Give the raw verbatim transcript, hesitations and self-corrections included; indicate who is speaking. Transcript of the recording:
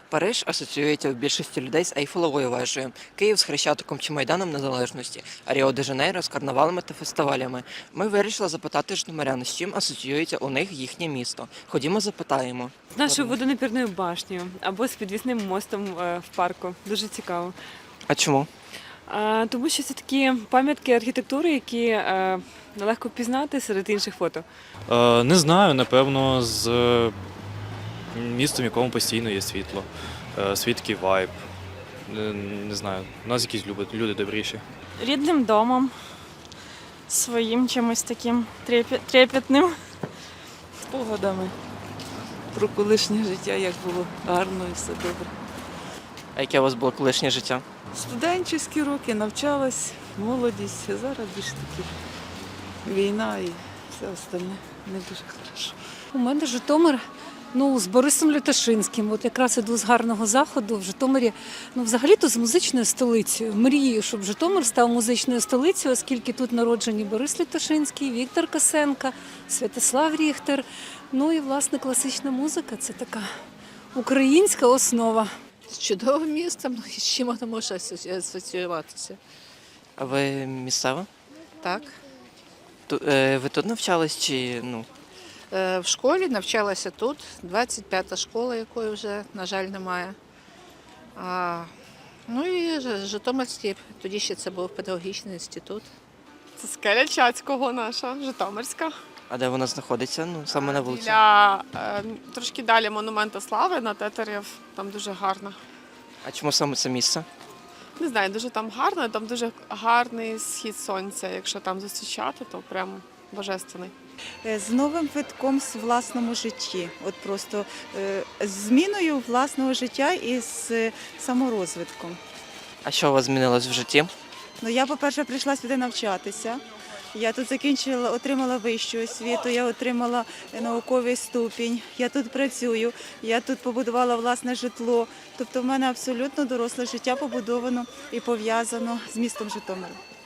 Speaker 1: Париж асоціюється у більшості людей з Ейфелевою вежею, Київ з Хрещатиком чи Майданом Незалежності, а Ріо-де-Жанейро з карнавалами та фестивалями. Ми вирішили запитати житомирян, з чим асоціюється у них їхнє місто. Ходімо, запитаємо.
Speaker 2: З нашою водонапірною башнею або з підвісним мостом е, в парку. Дуже цікаво.
Speaker 1: А чому?
Speaker 2: А, тому що це такі пам'ятки архітектури, які е, нелегко пізнати серед інших фото.
Speaker 3: Е, Не знаю, напевно, з е, містом, в якому постійно є світло, е, свідкий вайб. Е, Не знаю, у нас якісь люди, люди добріші.
Speaker 4: Рідним домом, своїм чимось таким трепет- трепетним.
Speaker 5: Спогадами про колишнє життя, як було гарно і все добре.
Speaker 1: А яке у вас було колишнє життя?
Speaker 5: Студенчі роки навчалась, молодість, а зараз більш таки війна і все остальне не дуже хорошо.
Speaker 6: У мене Житомир, ну, з Борисом Люташинським. От якраз іду з гарного заходу в Житомирі. Ну, взагалі-то з музичною столицею. Мрію, щоб Житомир став музичною столицею, оскільки тут народжені Борис Люташинський, Віктор Косенко, Святослав Ріхтер. Ну і, власне, класична музика – це така українська основа.
Speaker 7: З чудовим містом, ну, і з чим воно може асоці- асоціюватися.
Speaker 1: А ви місцева?
Speaker 7: Так.
Speaker 1: Ту- е, Ви тут навчались чи ну?
Speaker 7: Е, В школі навчалася тут, двадцять п'ята школа, якої вже, на жаль, немає. А, ну і Ж- Житомирський, тоді ще це був педагогічний інститут.
Speaker 8: Це скеля Чацького наша, Житомирська.
Speaker 1: А де вона знаходиться? Ну, саме на вулиці.
Speaker 8: Біля, е, трошки далі монумента слави на Тетерів. Там дуже гарно.
Speaker 1: А чому саме це місце?
Speaker 8: Не знаю, дуже там гарно, там дуже гарний схід сонця. Якщо там зустрічати, то прям божественний.
Speaker 9: Е, З новим витком в власному житті, от просто е, з зміною власного життя і з е, саморозвитком.
Speaker 1: А що у вас змінилось в житті?
Speaker 9: Ну, я, по-перше, прийшла сюди навчатися. Я тут закінчила, отримала вищу освіту, я отримала е, науковий ступінь, я тут працюю, я тут побудувала власне житло. Тобто в мене абсолютно доросле життя побудовано і пов'язано з містом Житомиром.